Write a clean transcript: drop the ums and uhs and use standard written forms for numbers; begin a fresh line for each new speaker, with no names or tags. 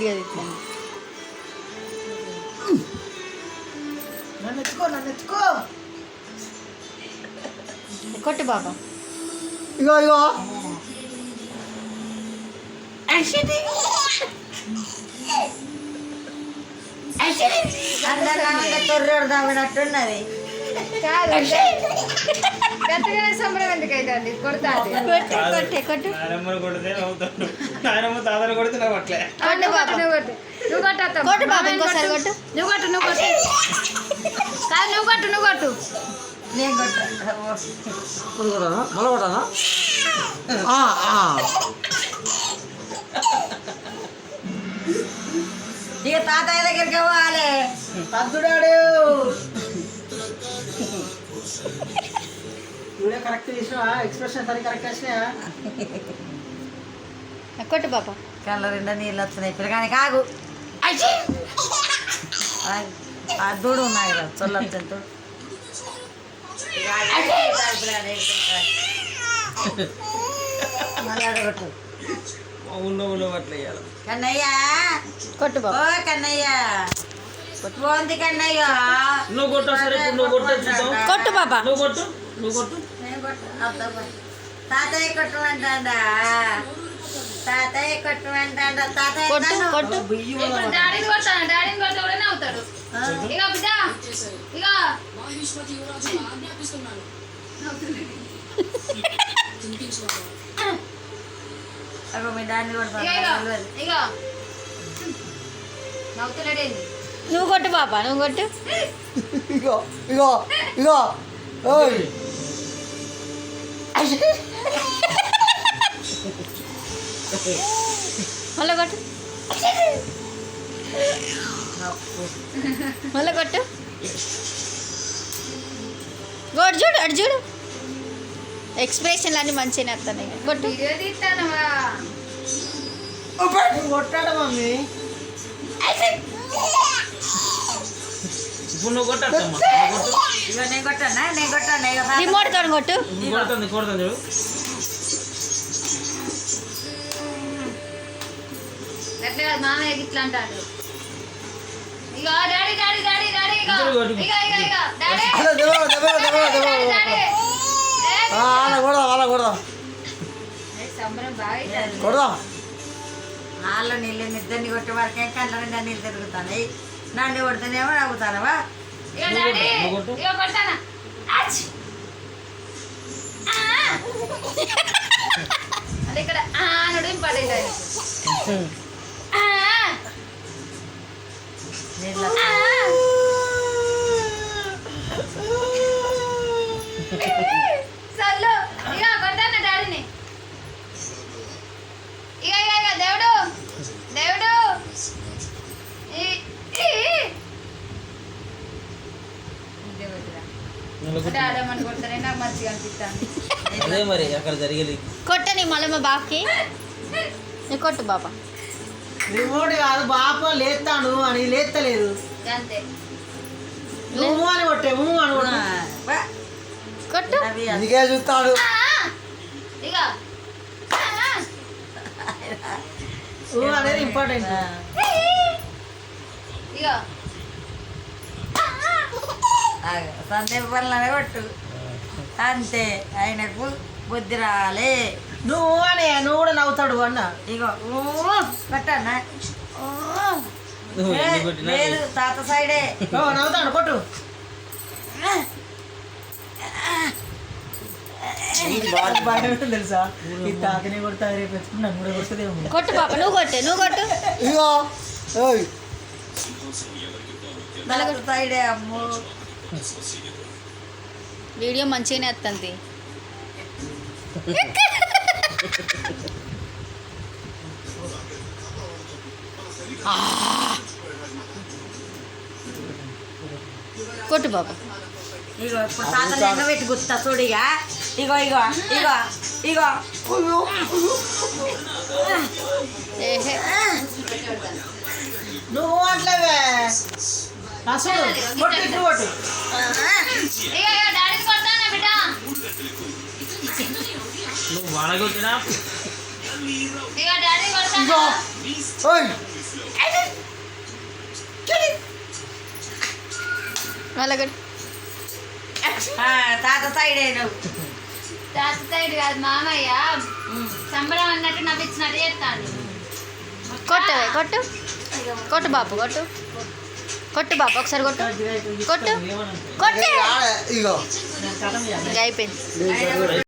Video తీస్తాను.
నన్ను ఎత్తుకో
కొట్టు బాబా.
ఇగో ఇగో తొర్రోడు తమ్మినట్టున్నది.
గంటగానే సంబరం ఎందుకు అవుతుంది? కొడతా కొట్టే కొట్టు. కొట్టు బాబా, ఇంకోసారి కొట్టు. నువ్వు కొట్టు. కాదు నువ్వు కొట్టు.
నేను కొట్టా ఇక తాతయ్య దగ్గరికి పోవాలి. పద్దుడాడు కరెక్ట్ చేసినా, ఎక్స్ప్రెషన్ సరి కరెక్ట్ వచ్చినా.
కొట్టు బాబా.
కళ్ళ రెండా నీళ్ళు వస్తున్నాయి పిల్లగాని కాగు. అద్దుడు ఉన్నాయి కదా చొల్లొచ్చు. కన్నయ్య
కొట్టు బాబా.
ఓ కన్నయ్య పోంది కన్నయ్య.
కొట్టు బాబా.
తాతయ్య కొట్టమంటాడా? తాతయ్య కొట్టమంటాడా? తాతయ్య
కొట్టు.
డాడీని కొడితే కూడా నవ్వుతాడు. ఇక బిడ్డ ఇక
మీ దాన్ని కొడతాను.
ఇక నవ్వుతున్నాడేంది?
నువ్వు కొట్టు బాబా, నువ్వు కొట్టు.
ఇగో ఇగో ఇగో ఓయ్
మళ్ళీ కొట్టు. మళ్ళీ కొట్టు. గోడు చూడు, అటు చూడు. ఎక్స్ప్రెషన్లు అన్నీ మంచిగానే వస్తున్నాయి. కొట్టు.
వీడియో తీస్తానవా?
కొట్టాడు మమ్మీ. నేను కొట్టాను.
రిమోట్ తో కొట్టు.
ఎట్లా కాదు, మామయ్య ఇట్లా అంటాడు. ఇక డాడీ ఇక డాడీ సంబరం బాగా
వాళ్ళు నీళ్ళు నిద్రని కొట్టే వరకే కళ్ళ నిండా నీళ్ళు తిరుగుతాయి. నన్ను కొడితేనేమో నవ్వుతానవా?
ఇక డాడీ ఇక కొడతానా? అది ఇక్కడ అనడు ఇంపార్టెంట్. సర్లు ఇక కొడతానా డాడీని. ఇక దేవుడు ఆడమని కొడతానే నాకు మంచిగా అనిపిస్తాను.
మరి అక్కడ జరిగేది
కొట్టని మళ్ళీ మా బాబుకి. కొట్టు బాబా.
రిమోట్ కాదు బాప లేస్తాను అని లేస్తలేదు.
అంతే.
నువ్వు అని కొట్టే అని
కొట్టు.
అందుకే చూస్తాడు.
ఇక
అనేది ఇంపార్టెంట్.
ఇక
సందీప్ పనులనే కొట్టు అంతే. ఆయనకు బుద్ధి రాలే. నువ్వు కూడా నవ్వుతాడు అన్న. ఇగో కొట్టన్నా. లేదు తాత సైడే నవ్వుతాడు. కొట్టు. తెలుసా ఈ తాతనే కొడతా రేపు నన్ను కూడా కొడుతుంది.
కొట్టు పాప, నువ్వు కొట్టు.
ఇగో సైడే అమ్ము.
వీడియో మంచిగానే వస్తుంది. కొట్టు బాబా.
ఇగో ఇప్పుడు తాత లెక్క పెట్టి గుర్తా చూడిగా. ఇగో ఇగో ఇగో ఇగో నువ్వు అట్లవే అసలు కొట్టు కొట్టు.
నువ్వు వాడగొట్టినా
ఇగో డాడీ కొడతానా?
మళ్ళీ కొట్టు.
తాత సైడ్ అయినావు.
తాత సైడ్ కాదు మామయ్య సంబరం అన్నట్టు నవ్వించినట్టు చేస్తాను.
కొట్టవే కొట్టు కొట్టు బాపు కొట్టు కొట్టు బాపు ఒకసారి కొట్టు కొట్టు కొట్టు
ఇగో
ఇంకా అయిపోయింది.